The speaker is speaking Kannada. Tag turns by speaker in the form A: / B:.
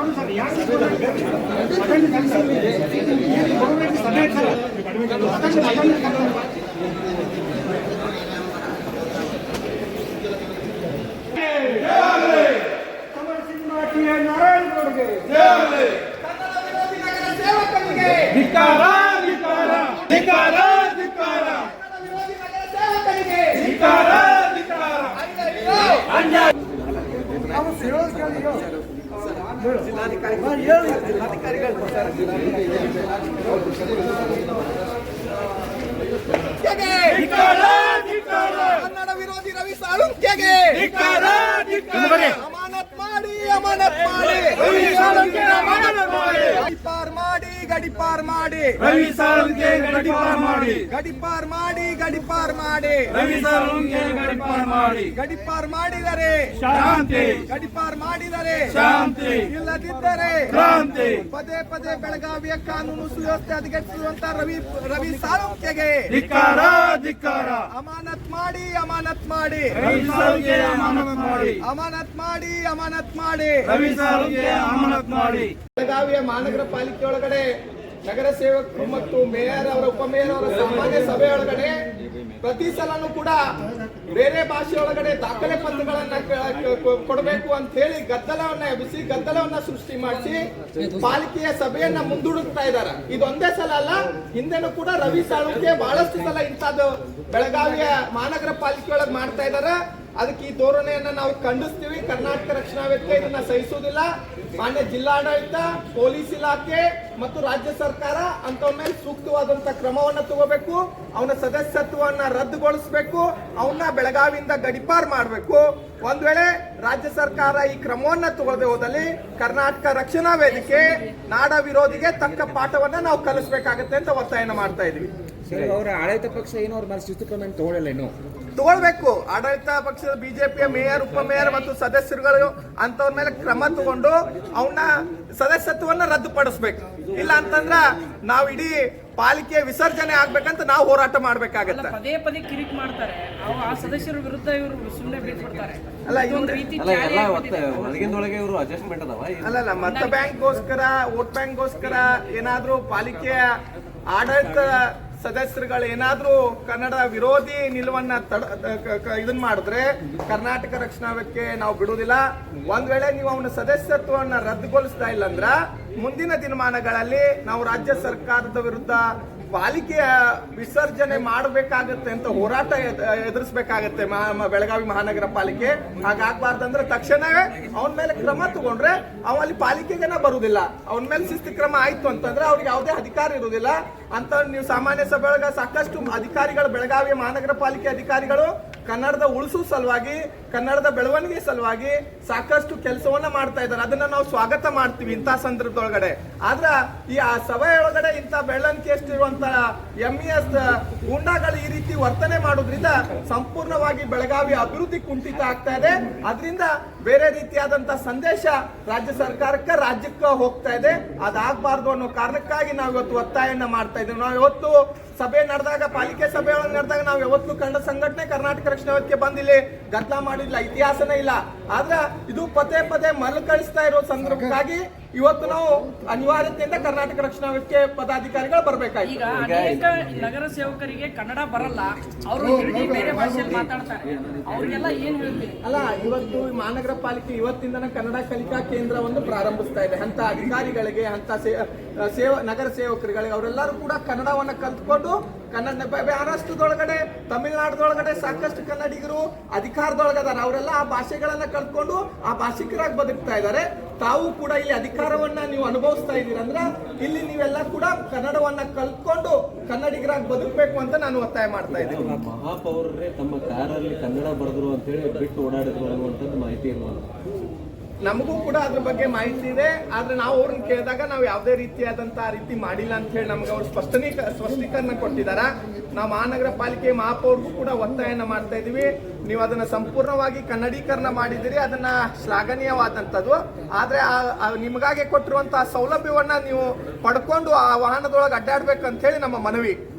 A: ಕನ್ನಡ ವಿರೋಧಿ ರವಿ ಸಾಳುಂಕ್ಯಗೆ ಅಮಾನತ್ ಮಾಡಿ ಗಡಿಪಾರ್ ಮಾಡಿ
B: ರವಿ ಸಾಳುಂಕ್ಯ ಗಡಿಪಾರ್ ಮಾಡಿ
A: ಗಡಿಪಾರ್ ಮಾಡಿ
B: ರವಿ ಸಾಳುಂಕ್ಯ ಗಡಿಪಾರ್ ಮಾಡಿ
A: ಗಡಿಪಾರ್ ಮಾಡಿದರೆ
B: ಶಾಂತಿ
A: ಗಡಿಪಾರ್ ಮಾಡಿದರೆ
B: ಶಾಂತಿ
A: ಇಲ್ಲದಿದ್ದರೆ
B: ಕ್ರಾಂತಿ
A: ಪದೇ ಪದೇ ಬೆಳಗಾವಿಯ ಕಾನೂನು ಸುವ್ಯವಸ್ಥೆ ಹದಗೆಡಿಸುವಂತ ರವಿ ಸಾಳುಂಕ್ಯಗೆ
B: ಧಿಕ್ಕಾರ
A: ಅಮಾನತ್ ಮಾಡಿ
B: ರವಿ ಸಾಳುಂಕ್ಯ
A: ಅಮಾನತ್ ಮಾಡಿ
B: ರವಿ ಸಾಳುಂಕ್ಯ ಅಮಾನತ್ ಮಾಡಿ
A: ಬೆಳಗಾವಿಯ ಮಹಾನಗರ ಪಾಲಿಕೆ ಒಳಗಡೆ ನಗರ ಸೇವಕರು ಮತ್ತು ಮೇಯರ್ ಅವರ ಉಪಮೇಯರ್ ಅವರ ಸಾಮಾನ್ಯ ಸಭೆ ಒಳಗಡೆ ಪ್ರತಿ ಸಲನೂ ಕೂಡ ಬೇರೆ ಭಾಷೆ ಒಳಗಡೆ ದಾಖಲೆ ಪತ್ರಗಳನ್ನ ಕೊಡಬೇಕು ಅಂತ ಹೇಳಿ ಗದ್ದಲವನ್ನ ಸೃಷ್ಟಿ ಮಾಡಿಸಿ ಪಾಲಿಕೆಯ ಸಭೆಯನ್ನ ಮುಂದೂಡುತ್ತಾ ಇದ್ದಾರೆ. ಇದೊಂದೇ ಸಲ ಅಲ್ಲ, ಹಿಂದೆನೂ ಕೂಡ ರವಿ ಸಾಳುಂಕ್ಯ ಬಹಳಷ್ಟು ಸಲ ಇಂಥದ್ದು ಬೆಳಗಾವಿಯ ಮಹಾನಗರ ಪಾಲಿಕೆ ಒಳಗೆ ಮಾಡ್ತಾ ಇದ್ದಾರೆ. ಅದಕ್ಕೆ ಈ ಧೋರಣೆಯನ್ನ ನಾವು ಖಂಡಿಸ್ತೀವಿ. ಕರ್ನಾಟಕ ರಕ್ಷಣಾ ವೇದಿಕೆ ಇದನ್ನ ಸಹಿಸುವುದಿಲ್ಲ. ಮಾನ್ಯ ಜಿಲ್ಲಾಡಳಿತ, ಪೊಲೀಸ್ ಇಲಾಖೆ ಮತ್ತು ರಾಜ್ಯ ಸರ್ಕಾರ ಅಂತವನ ಮೇಲೆ ಸೂಕ್ತವಾದಂತ ಕ್ರಮವನ್ನ ತಗೋಬೇಕು. ಅವನ ಸದಸ್ಯತ್ವವನ್ನ ರದ್ದುಗೊಳಿಸಬೇಕು. ಅವನ್ನ ಬೆಳಗಾವಿಯಿಂದ ಗಡಿಪಾರ್ ಮಾಡಬೇಕು. ಒಂದ್ ವೇಳೆ ರಾಜ್ಯ ಸರ್ಕಾರ ಈ ಕ್ರಮವನ್ನ ತಗೊಳ್ಳದೆ ಹೋದಲ್ಲಿ ಕರ್ನಾಟಕ ರಕ್ಷಣಾ ವೇದಿಕೆ ನಾಡ ವಿರೋಧಿಗೆ ತಕ್ಕ ಪಾಠವನ್ನ ನಾವು ಕಲಿಸಬೇಕಾಗತ್ತೆ ಅಂತ ಒತ್ತಾಯನ ಮಾಡ್ತಾ ಇದೀವಿ.
C: ಅವರ ಆಡಳಿತ ಪಕ್ಷ ಏನೋ ಅವ್ರ ಮೇಲೆ ಶಿಸ್ತು ಕ್ರಮ ತಗೊಳ್ಳಲ್ಲ, ಏನು
A: ತಗೊಳ್ಬೇಕು. ಆಡಳಿತ ಪಕ್ಷದ ಬಿಜೆಪಿಯ ಮೇಯರ್, ಉಪಮೇಯರ್ ಮತ್ತು ಸದಸ್ಯರುಗಳು ಅಂತವ್ರ ಮೇಲೆ ಕ್ರಮ ತಗೊಂಡು ಅವನ್ನ ಸದಸ್ಯತ್ವವನ್ನ ರದ್ದುಪಡಿಸಬೇಕು. ಇಲ್ಲ ಅಂತಂದ್ರ ನಾವು ಇಡೀ ಪಾಲಿಕೆ ವಿಸರ್ಜನೆ ಆಗ್ಬೇಕಂತ ನಾವು ಹೋರಾಟ ಮಾಡ್ಬೇಕಾಗತ್ತೆ.
D: ಪದೇ ಪದೇ ಕಿರಿಕ್ ಮಾಡ್ತಾರೆ. ಆ ಸದಸ್ಯರ ವಿರುದ್ಧ ಇವರು ಸುಮ್ಮನೆ ಬಿಟ್ಬಿಡ್ತಾರೆ.
A: ಅಲ್ಲ ಮತ ಬ್ಯಾಂಕ್ಗೋಸ್ಕರ, ವೋಟ್ ಬ್ಯಾಂಕ್ಗೋಸ್ಕರ ಏನಾದ್ರೂ ಪಾಲಿಕೆಯ ಆಡಳಿತ ಸದಸ್ಯರುಗಳು ಏನಾದ್ರೂ ಕನ್ನಡ ವಿರೋಧಿ ನಿಲುವನ್ನ ಇದನ್ ಮಾಡಿದ್ರೆ ಕರ್ನಾಟಕ ರಕ್ಷಣಾ ವೇದಿಕೆ ನಾವು ಬಿಡುವುದಿಲ್ಲ. ಒಂದ್ ವೇಳೆ ನೀವು ಅವನ ಸದಸ್ಯತ್ವವನ್ನ ರದ್ದುಗೊಳಿಸ್ತಾ ಇಲ್ಲ ಅಂದ್ರ ಮುಂದಿನ ದಿನಮಾನಗಳಲ್ಲಿ ನಾವು ರಾಜ್ಯ ಸರ್ಕಾರದ ವಿರುದ್ಧ ಪಾಲಿಕೆಯ ವಿಸರ್ಜನೆ ಮಾಡಬೇಕಾಗತ್ತೆ ಅಂತ ಹೋರಾಟ ಎದುರಿಸಬೇಕಾಗತ್ತೆ ಬೆಳಗಾವಿ ಮಹಾನಗರ ಪಾಲಿಕೆ. ಹಾಗಾಗಬಾರ್ದಂದ್ರೆ ತಕ್ಷಣವೇ ಅವನ ಮೇಲೆ ಕ್ರಮ ತಗೊಂಡ್ರೆ ಅಲ್ಲಿ ಪಾಲಿಕೆಗೆನ ಬರುವುದಿಲ್ಲ. ಅವನ ಮೇಲೆ ಶಿಸ್ತು ಕ್ರಮ ಆಯ್ತು ಅಂತಂದ್ರೆ ಅವ್ರಿಗೆ ಯಾವುದೇ ಅಧಿಕಾರ ಇರುವುದಿಲ್ಲ ಅಂತ. ನೀವು ಸಾಮಾನ್ಯ ಸಭೆ ಒಳಗ ಸಾಕಷ್ಟು ಅಧಿಕಾರಿಗಳು, ಬೆಳಗಾವಿಯ ಮಹಾನಗರ ಪಾಲಿಕೆ ಅಧಿಕಾರಿಗಳು ಕನ್ನಡದ ಉಳಿಸುವ ಸಲುವಾಗಿ, ಕನ್ನಡದ ಬೆಳವಣಿಗೆ ಸಲುವಾಗಿ ಸಾಕಷ್ಟು ಕೆಲಸವನ್ನ ಮಾಡ್ತಾ ಇದ್ದಾರೆ. ಅದನ್ನ ನಾವು ಸ್ವಾಗತ ಮಾಡ್ತೀವಿ ಇಂಥ ಸಂದರ್ಭದೊಳಗಡೆ. ಆದ್ರ ಈ ಆ ಸಭೆಯೊಳಗಡೆ ಇಂಥ ಬೆಳವಣಿಗೆ ಎಷ್ಟಿರುವಂತ ಎಂಇಎಸ್ ಗೂಂಡಾಗಳು ಈ ರೀತಿ ವರ್ತನೆ ಮಾಡೋದ್ರಿಂದ ಸಂಪೂರ್ಣವಾಗಿ ಬೆಳಗಾವಿ ಅಭಿವೃದ್ಧಿ ಕುಂಠಿತ ಆಗ್ತಾ ಇದೆ. ಅದರಿಂದ ಬೇರೆ ರೀತಿಯಾದಂತಹ ಸಂದೇಶ ರಾಜ್ಯ ಸರ್ಕಾರಕ್ಕೆ, ರಾಜ್ಯಕ್ಕೆ ಹೋಗ್ತಾ ಇದೆ. ಅದಾಗಬಾರ್ದು ಅನ್ನೋ ಕಾರಣಕ್ಕಾಗಿ ನಾವು ಇವತ್ತು ಒತ್ತಾಯನ ಮಾಡ್ತಾ ಇದ್ದೀವಿ. ನಾವು ಇವತ್ತು ಸಭೆ ನಡೆದಾಗ, ಪಾಲಿಕೆ ಸಭೆ ಒಳಗೆ ನಡೆದಾಗ ನಾವು ಯಾವತ್ತು ಕನ್ನಡ ಸಂಘಟನೆ ಕರ್ನಾಟಕ ರಕ್ಷಣಾ ವೇದಿಕೆ ಬಂದಿಲ್ಲಿ ಗದ್ದಲ ಮಾಡಿಲ್ಲ, ಇತಿಹಾಸನೇ ಇಲ್ಲ. ಆದ್ರೆ ಇದು ಪದೇ ಪದೇ ಮರುಕಳಿಸ್ತಾ ಇರೋ ಸಂದರ್ಭಕ್ಕಾಗಿ ಇವತ್ತು ನಾವು ಅನಿವಾರ್ಯತೆಯಿಂದ ಕರ್ನಾಟಕ ರಕ್ಷಣಾ ವೇದಿಕೆ ಪದಾಧಿಕಾರಿಗಳು ಬರಬೇಕಾಗಿ.
D: ಈಗ ಅನೇಕ ನಗರ ಸೇವಕರಿಗೆ ಕನ್ನಡ ಬರಲ್ಲ, ಅವರು ಬೇರೆ ಭಾಷೆಯಲ್ಲಿ ಮಾತಾಡ್ತಾರೆ. ಅವ್ರಿಗೆಲ್ಲ ಏನ್ ಹೇಳ್ತೀವಿ?
A: ಅಲ್ಲ, ಇವತ್ತು ಮಹಾನಗರ ಪಾಲಿಕೆ ಇವತ್ತಿಂದನೇ ಕನ್ನಡ ಕಲಿಕಾ ಕೇಂದ್ರವನ್ನು ಪ್ರಾರಂಭಿಸ್ತಾ ಇದೆ. ಅಂತ ಅಧಿಕಾರಿಗಳಿಗೆ, ಅಂತ ನಗರ ಸೇವಕರುಗಳಿಗೆ ಅವರೆಲ್ಲರೂ ಕೂಡ ಕನ್ನಡವನ್ನ ಕಲ್ತ್ಕೊಂಡು ಕನ್ನಡ ಮಹಾರಾಷ್ಟ್ರದೊಳಗಡೆ, ತಮಿಳುನಾಡದೊಳಗಡೆ ಸಾಕಷ್ಟು ಕನ್ನಡಿಗರು ಅಧಿಕಾರದೊಳಗದಾರ. ಅವರೆಲ್ಲ ಆ ಭಾಷೆಗಳನ್ನ ಕಲ್ತ್ಕೊಂಡು ಆ ಭಾಷಿಕರಾಗಿ ಬದುಕ್ತಾ ಇದ್ದಾರೆ. ತಾವು ಕೂಡ ಇಲ್ಲಿ ಅಧಿಕಾರವನ್ನ ನೀವು ಅನುಭವಿಸ್ತಾ ಇದ್ದೀರಂದ್ರ ಇಲ್ಲಿ ನೀವೆಲ್ಲ ಕೂಡ ಕನ್ನಡವನ್ನ ಕಲ್ತ್ಕೊಂಡು ಕನ್ನಡಿಗರಾಗಿ ಬದುಕಬೇಕು ಅಂತ ನಾನು ಒತ್ತಾಯ ಮಾಡ್ತಾ ಇದ್ದೀನಿ.
C: ಮಹಾಪೌರರೇ ತಮ್ಮ ಕಾರಲ್ಲಿ ಕನ್ನಡ ಬರೆದ್ರು ಅಂತ ಹೇಳಿ ಬಿಟ್ಟು ಓಡಾಡಿದ್ರು ಅನ್ನುವಂಥದ್ದು ಮಾಹಿತಿ ಇರುವುದು.
A: ನಮಗೂ ಕೂಡ ಅದ್ರ ಬಗ್ಗೆ ಮಾಹಿತಿ ಇದೆ. ಆದ್ರೆ ನಾವು ಅವ್ರನ್ನ ಕೇಳಿದಾಗ ನಾವು ಯಾವುದೇ ರೀತಿಯಾದಂತಹ ರೀತಿ ಮಾಡಿಲ್ಲ ಅಂತ ಹೇಳಿ ನಮ್ಗೆ ಅವ್ರು ಸ್ಪಷ್ಟೀಕರಣ ಕೊಟ್ಟಿದ್ದಾರೆ. ನಾವು ಮಹಾನಗರ ಪಾಲಿಕೆ ಮಹಾಪೌರ್ಗೂ ಕೂಡ ಒತ್ತಾಯನ ಮಾಡ್ತಾ ಇದೀವಿ. ನೀವು ಅದನ್ನ ಸಂಪೂರ್ಣವಾಗಿ ಕನ್ನಡೀಕರಣ ಮಾಡಿದಿರಿ, ಅದನ್ನ ಶ್ಲಾಘನೀಯವಾದಂಥದ್ದು. ಆದ್ರೆ ನಿಮಗಾಗಿ ಕೊಟ್ಟಿರುವಂತಹ ಸೌಲಭ್ಯವನ್ನ ನೀವು ಪಡ್ಕೊಂಡು ಆ ವಾಹನದೊಳಗೆ ಅಡ್ಡಾಡ್ಬೇಕಂತ ಹೇಳಿ ನಮ್ಮ ಮನವಿ.